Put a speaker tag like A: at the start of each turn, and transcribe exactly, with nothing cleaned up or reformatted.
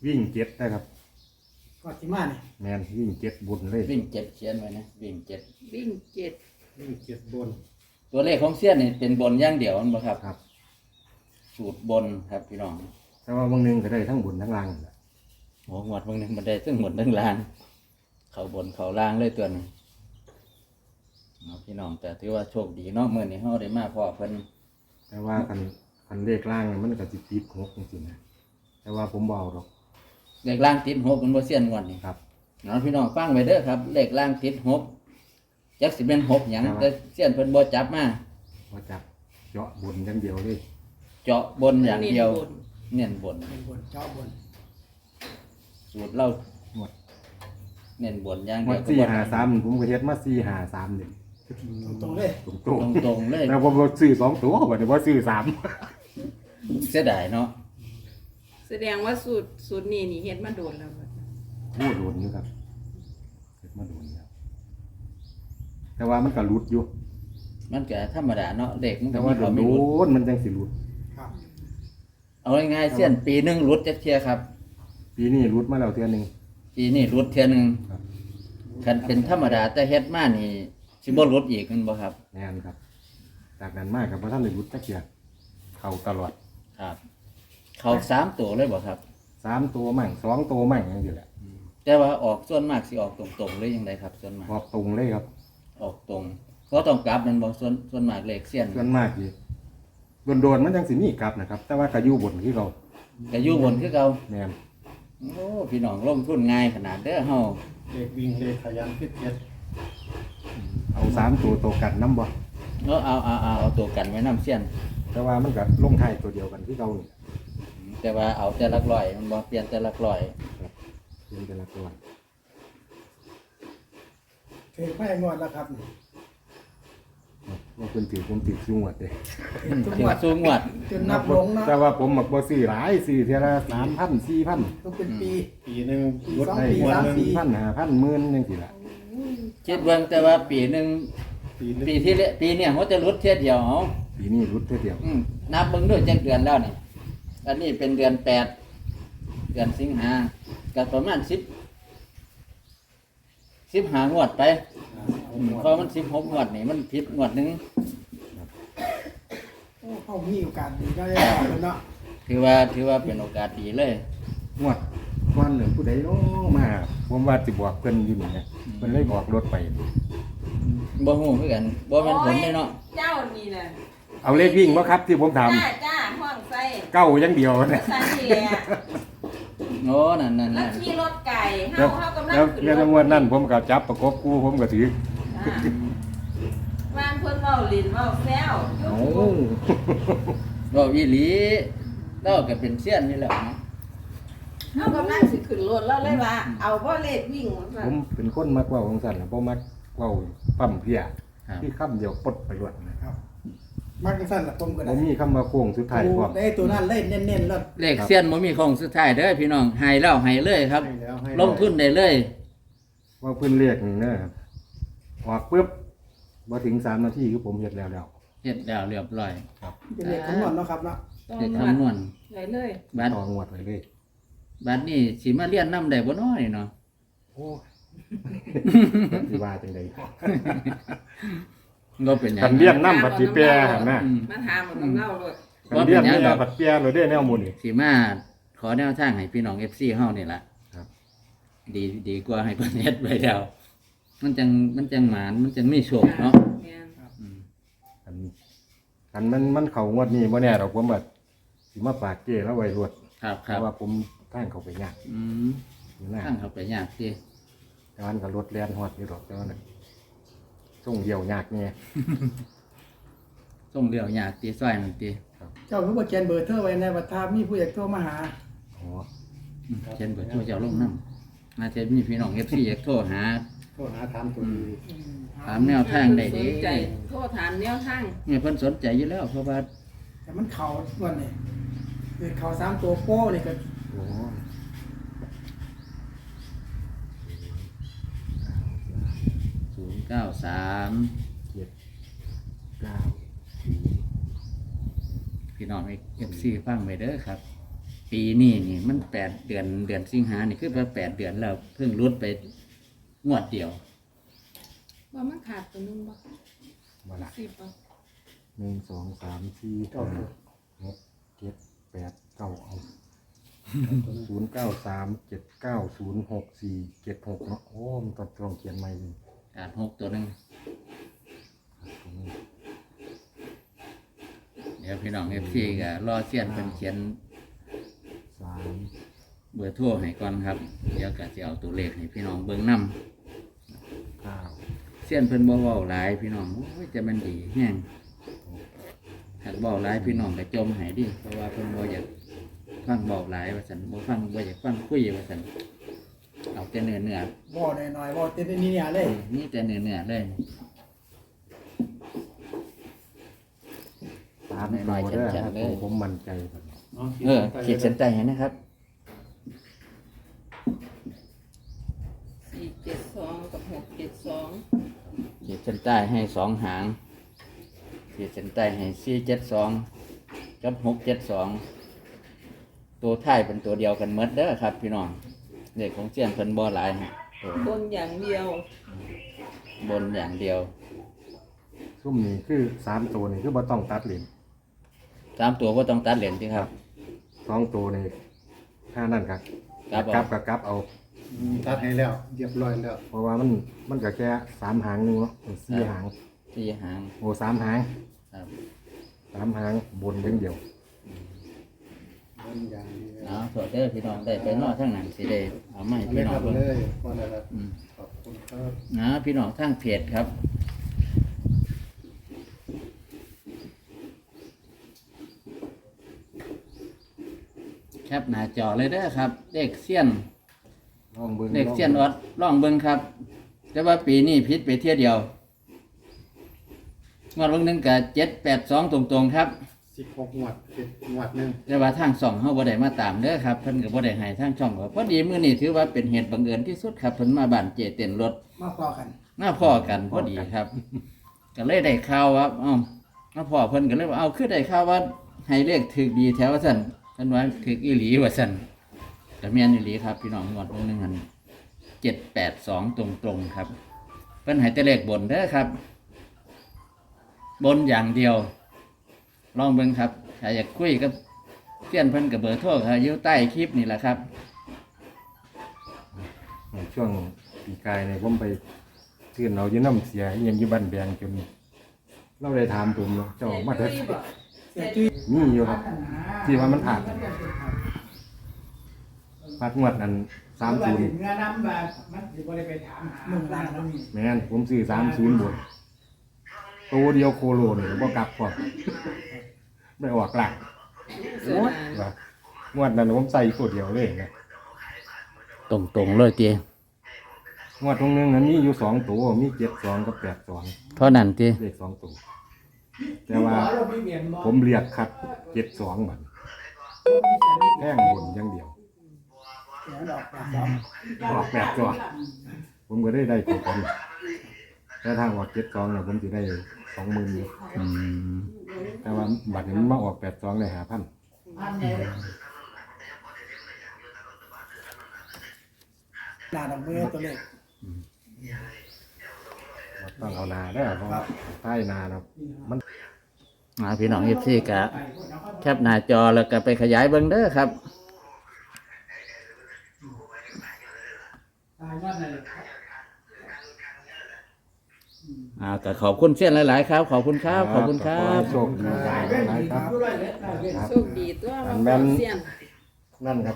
A: วิ่งเจ็ดนะครับ
B: ก็สิมานี่
A: แมนวิ่งเจ็ดบนเลย
C: วิ่งเจ็ดเขียนไว้นะวิ่งเจ็ด
D: วิ่งเจ็ด
B: วิ่งเจ็ดบน
C: ตัวเลขของเสี้ยนนี่เป็นบนอย่างเดียวมั้งครับ
A: ครับ
C: สูตรบนครับพี่น้อง
A: แต่ว่าบางนึงก็ได้ทั้งบนทั้งล่างแหละ
C: โอ้หมดบางนึงมันได้ทั้งบนทั้งล่างเขาบนเขาล่างเลยตัวนึงเอาพี่น้องแต่ถือว่าโชคดีเนาะเมื่อนี้เฮาได้มาพอเพิ่น
A: แต่ว่าคันคันเลขล่างมันก็สิติดหกจริงๆนะแต่ว่าผมเบาหรอก
C: เลขล่างติดหกมันบ่เสี้ยนงวดนี่
A: ครับ
C: เนาะพี่น้องฟังไว้เด้อครับเลขล่างติดหกจักสิเป็นหกหยังแต่เสี้ยนเพิ่นบ่จับมา
A: บ่จับเจาะบนอย่างเดียวเลย
C: เจาะบนอย่างเดียวเน้นบน
B: เน้นบนเจาะบน
C: สูตรเรา
A: หมด
C: เน้นบนอย่างเดี
A: หม
C: ยว
A: ดสี่ห้าสามผมก็เฮ็ดมาสี่ห้าสามนี่
B: ตรงๆเลย
A: ตรง
C: ตรงตรงเลย
A: แต่ผมซื้อสองตัวบ่ได้บ่ซื้อสาม
C: เสียดายเนาะ
D: แสดงว่าสูตรสูตรนี้นี่เฮ็ดมาโดนแล้ว
A: โอ้โดนอยู่ครับเฮ็ดมาโดนแล้วแต่ว่ามันก็หลุดอยู่
C: มันก็ธรรมดาเนาะเด็กมันก็
A: แต่ว่าโดนโดนมันจังสิหลุด
B: ครับ
C: เอาง่ายๆเสี้ยนปีหนึงหลุดจักเที่ยครับ
A: ปีนี้หลุดมาแล้วเทื่อนึง
C: ปีนี้หลุดเที่ยนึง
A: ครับ
C: คันเป็นธรรมดาแต่เฮ็ดมานี่สิบ่หลุดอีกแม่นบ่ครับ
A: แม่นครับจากนั้นมาก็บ่ทันได้หลุดจักเที่ยเข้าตลอด
C: ครับเข้าสามตัวเลยบ่ครับ
A: สามตัวมั่งสองตัวมั่งจังซี่แหละ
C: แต่ว่าออกส่วนมากสิออกตรงๆเลยจังไดครับส่วนมาก
A: ออกตรงเลยครับ
C: ออกตรงก็ต้องกลับแม่นบ่ส่วนส่วนมากเลขเสี้ยน
A: ส่วนมากสิโดนๆมันจังสิมีกลับนะครับแต่ว่าก็อยู่บนคือเก่า
C: ก็อยู่บนคือเก่า
A: แม่น
C: โอ้พี่น้องลงทุนง่ายขนาดเด้อเฮา
B: เลขวิ่งเลขขยันพิเศษ
A: เอาสามตัวตัวกันนำบ่
C: เนาะเอาเอาเอาเอาตัวกันไว้นำเสี้ยน
A: แต่ว่ามันก็ลงท้ายตัวเดียวกันคือเก่านี่
C: แต่ว่าเอาแต่ละร้อยมันบ่เปลี่ยนแต่ละร้อย
A: เปลี่ยนแต่ละตัว
B: เทไปหมดแล้วครับ
A: ว่าเพิ่นถือผมถือสูงหมดเด้
C: ถึงสูงหมด
B: จนนับลงเนาะ
A: แต่ว่าผมมักบ่ซื้อหลายซื้อเท่าละ สามพัน สี่พัน
B: ต้องเป็นปี
A: ปีนึง
B: ลดได้สามปี
A: สี่พัน ห้าพัน หมื่นจังซี่ล่ะ
C: คิดเบิ่งแต่ว่าปีนึงปีที่ปีเนี่ยเขาจะลดเที่ยเดียวเอา
A: ปีนี้รุดเท่าเดียว
C: นับเบิ่งด้วยจักเดือนแล้วนี่อันนี้เป็นเดือนแปดเดือนสิงหาก็ประมาณสิบ สิบห้างวดไปเพราะมันสิบหกงวดนี่มันผิดงวดนึง
B: โอ้เขามีโอกาสดีได้เนาะ
C: ถือว่าถือว่าเป็นโอกาสดีเลย
A: งวดวันหนึ่งผู้ใดเนาะมาผมว่าสิบอกเพิ่นอยู่นี่นะเพิ่นเลยบอกรถไป
C: บ่ฮู้คือกันบ่แม่นผลเลยเนาะ
D: เจ้านี่แหละ
A: เอาเลขวิ่งบ่ครับที่ผมถาม
D: จ้าจ้าห้องใส่
A: เก้าอย่างเดียวนะ
D: ใส่นี่แหละ
C: โอ้นั่นๆๆ
D: แล้วขี่รถไก่เฮาเฮากำลัง
A: ขึ้นรถแล้วงวดนั้นผมก็จับประกบคู่ผมก็ถือ
D: ว่างเพิ่นเว้าลิ้นเว้าแซว
A: โอ้
C: เว้าอีหลีเราก็เป็นเซียนนี่แหละเนาะ
D: เฮากำลังสิขึ้นรถแล้วเลยว่าเอาบ่เลขวิ่ง
A: ผมเป็นคนมักเว้าของสั่นน่ะบ่มักเว้าปั๊มเพียที่คำเดียวปดไปรวดนะครับ
B: มักสั่นล่ะผมก็ได้
A: บ่มีคำว่าโค้งสุดท้ายพร้อม
B: ได้ตัวนั้นเลยเน้นๆแล้ว
C: เลขเซียนบ่มีโค้งสุดท้ายเด้อพี่น้องให้แล้วให้เลยครับลงทุนได้เลย
A: ว่าเพิ่นเรียกนี่นะครับออกปึ๊บบ่ถึงสามนาทีคือผมเฮ็ดแล้วแล้ว
C: เฮ็ดแล้วเรียบร้อย
A: ครับ
B: เป็นเลขคำนวณเนาะครับเนาะ
C: เลขคำนวณ
D: ได้เลย
C: บัด
A: ต่องวดไว้เลย
C: บัดนี้สิมาเรียนนำได้บ่น้อยเนาะ
A: โอ้สิว่าจังได๋
C: ก็เป็นหยัง
A: กันเรียนนำบัดสิแปรหั่นน่ะ
D: มาถามกับเราโลด
A: กันเรียนนี่บัดแปรโลดเด้แนวหมู่นี่
C: สิมาขอแนวทางให้พี่น้อง เอฟ ซี เฮานี่ล่ะ
A: ครับ
C: ดีดีกว่าให้เพิ่นเฮ็ดไว้แล้วมันจังมันจังหมานมันจังมีโชคเนาะ
D: แม่นครับ
A: อืมอันอันมันมันเข้างวดนี้บ่แน่ดอกผมแบบสิมาฝากเก้แล้วไว้รวด
C: ครับ
A: เพราะว่าผมทางเข้าไปยาก
C: อืมทางเข้าไปยากสิ
A: แต่มันก็รถแล่นฮอดอยู่ดอกแต่ว่านั่นส่งเหี่ยวยากแน่
C: ส่งเดี่ยวยากติซอยนั่นติ
A: ครับ
B: เจ้าคือบ่เขียนเบอร์โทรไว้ในบัตรถ้ามีผู้อยากโทรมาหา
A: อ๋อ
C: เขียนเบอร์โทรเจ้าลงนำน่าจะมีพี่น้อง เอฟ ซี อยากโทรหา
A: โทรหาถามตัวดี
C: ถามแนวทางได้เด้
D: โทรถามแนวทาง
C: เนี่ยเพิ่นสนใจอยู่แล้วเพราะว่า
B: แต่มันเข้าส่วนนี้คือเข้าสามตัวโป้นี่ก็
A: โอ้
C: ศูนย์เก้าสาม
A: เจ็ดเก้า
C: พี่น้อง เอฟ ซี ฟังไว้เด้อครับปีนี้นี่มันแปดเดือนเดือนสิงหานี่คือว่าแปดเดือนแล้วเพิ่งรุดไปงวดเดียว
D: ว่ามันขาดตัวนึงบ่
A: มาละ
D: สิบบ่
A: หนึ่งสองสามสี่ห้าหกเจ็ดแปดเก้าเอาศูนย์เก้าสามเจ็ดเก้าศูนย์หกสี่เจ็ดหกเนาะโอ้มันต้องลองเขียนใหม่เลย
C: ขาดหกตัวหนึง
A: ตรงนี้
C: เดี๋ยวพี่น้องเอฟซีก็รอเสี้ยนเป็นเขียน
A: สาม
C: เบอร์โทรให้ก่อนครับเดี๋ยวก็จะเอาตัวเลขให้พี่น้องเบิ่งนํ
A: เก้า
C: เสี้ยนเพิ่นบ่เว้าหลายพี่น้องโอ้ยจะมันดีแฮงถ้าเว้าหลายพี่น้องก็จมให้ดิเพราะว่าเพิ่นบ่อยากฟังเว้าหลายว่าซั่นบ่ฟังบ่อยากฟังคุยว่าซั่นเอาแต่เนื้อเนื้อ
B: บ่หน่อยๆบ่เต็มนี่เนี่ยเลย
C: นี่แต่เนื้อเนื้อเลย
A: สามตัวเด้อครับผมผมมั่นใจครับ
C: เออขีดเส้นใต้ให้นะครับ
D: สี่เจ็ดสองกับหกเจ็ดสอง
C: ขีดเส้นใต้ให้สองหางขีดเส้นใต้ให้สี่เจ็ดสองกับหกเจ็ดสองตัวท้ายเป็นตัวเดียวกันหมดเด้อครับ พี่น้องเลขของเสี้ยนเพิ่นบ่หลายฮะตัว
D: บนอย่างเดียว
C: บนอย่างเดียว
A: ซุ่มนี่คือสามตัวนี่คือบ่ต้องตัดเหรียญ
C: สามตัวก็ต้องตัดเหรียญสิครับ
A: สองตัวนี่ค่านั่นครับ
C: กลับเอา
A: กลับกับกลับเอา
E: ตัดให้แล้วเรียบร้อยแล้ว
A: เพราะว่ามันมันก็แค่สามหางหนึงเนาะสี่หาง
C: สี่หาง
A: โอ้สามหาง
C: ครับ
A: สามหางบนอย่างเดียว
E: บนอย่างเดียว
C: เอาโทษเด้อพี่น้องได้ไปนอกทั้งนั้นสิได้เอามาให้
E: เอาเล
C: พี่
E: ย
C: น้อ
E: ค
C: ง
E: รับ
C: เบิ่ง
E: เลยพอแล้วครับ
C: อืม
E: ขอบคุณครับ
C: นะพี่น้องทั้งเพจครับแคปหน้าจอเลยเด้อครับเลขเสี้ยน
A: ลองเบิ่ง
C: เลขเสี้ยนออดล่องเบิ่งครับ แต่ว่าปีนี้พิษไปเที่ยวเดียวงวดวันหนึงกับเจ็ดแปดสองตรงๆครับ
E: สิบหกหมวดสิบหมวดหนึ่ง
C: แต่ว่าทางช่องเฮาบ่ได้มาตามเด้อครับเพิ่นก็บ่ได้ให้ทางช่องก็พอดีมื้อนี้ถือว่าเป็นเหตุบังเอิญที่สุดครับเพิ่นมาบ้านเจเต้นรถ
B: มาพอกัน
C: มาพ้อกันพอดีครับ ก็เลยได้ข่าวว่าเอ้ามาพ้อเพิ่นก็เลยว่าเอาคือได้ข่าวว่าให้เลขถูกดีแถวว่าซั่นเพิ่นว่าถูกอีหลีว่าซั่นก็แม่นอีหลีครับพี่น้องงวดวันหนึงหั่นเจ็ดแปดสองตรงๆครับเพิ่นให้แต่เลขบนเด้อครับ บนอย่างเดียว ลองเบิ่งครับถ้าอยากคุยกับเพื่อนเพิ่นกับเบอร์โทรครับอยู่ใต้คลิปนี่แหละครับ
A: ในช่วงปีกายเนี่ยผมไปเทื่อนเราอยู่น้ำเสียอิหยังอยู่บ้านแบงจนเราได้ถามผมเนาะเจ้ามาเถิด
B: เสียจุ้ย
A: มีอยู่ครับ ที่ว่ามันผ่านพัดงวดนั้นสามศูนย์
F: เนื้อน้ำแบบมันสิบ่ได้ไปถามหา
B: หนึ่งล้านแล้วมี
A: แม่นผมซื้อสามศูนย์บนตัวเดียวโคโลเนี่ยบ่กลับพอไม่ออกหลัก
D: เสีย
A: โอ้ย
D: ดาย
A: ว่างวดนั้นผมใส่ตัวเดียวเลยนะ
C: ตรงๆเลยเตี
A: งวดตรงนึงนั้นมีอยู่สองตัวมีเจ็ดสองกับแปดสอง
C: เท่านั้นตี
A: เลขสองตัวแต่ว่า
F: บ่เราพี่เมียนบ่
A: ผมเรียกคัดเจ็ดสองบัดแท่งบนอย่างเดียว
B: เสียดอกแปดสอง
A: ออกแปดตัวผมก็ได้ได้ตัวคนแต่ทางออกเจ็ดสองเนี่ยผมจะได้สองหมื่นอยู่
C: อืม
A: แต่ว่าบัตรนี้มันมาออกแปดสองเลยหาพัน
F: อันใหญ่
B: หน้าดอกเบี้ยตัวเลข
A: ต้องเอานาได้อเพราะว่าใต้นาเนาะมัน
C: อ่าพี่น้องเอฟซีกะแคปหน้าจอแล้วก็ไปขยายเบิ่งเด้อครับ
F: ตายว่านั่นแหละ
C: อ่าก็ขอบคุณเสี้ยนหลายๆครับ ขอบคุณครับ ขอบคุณครับ
A: โชคดีหลายครับ
F: อยู่ร้อยเอ็ดร้อยเอ็ด
A: ครับ
D: โชคดีตัว
A: อั
D: มัน น
A: แม่น
D: เสียน
A: นั่นครับ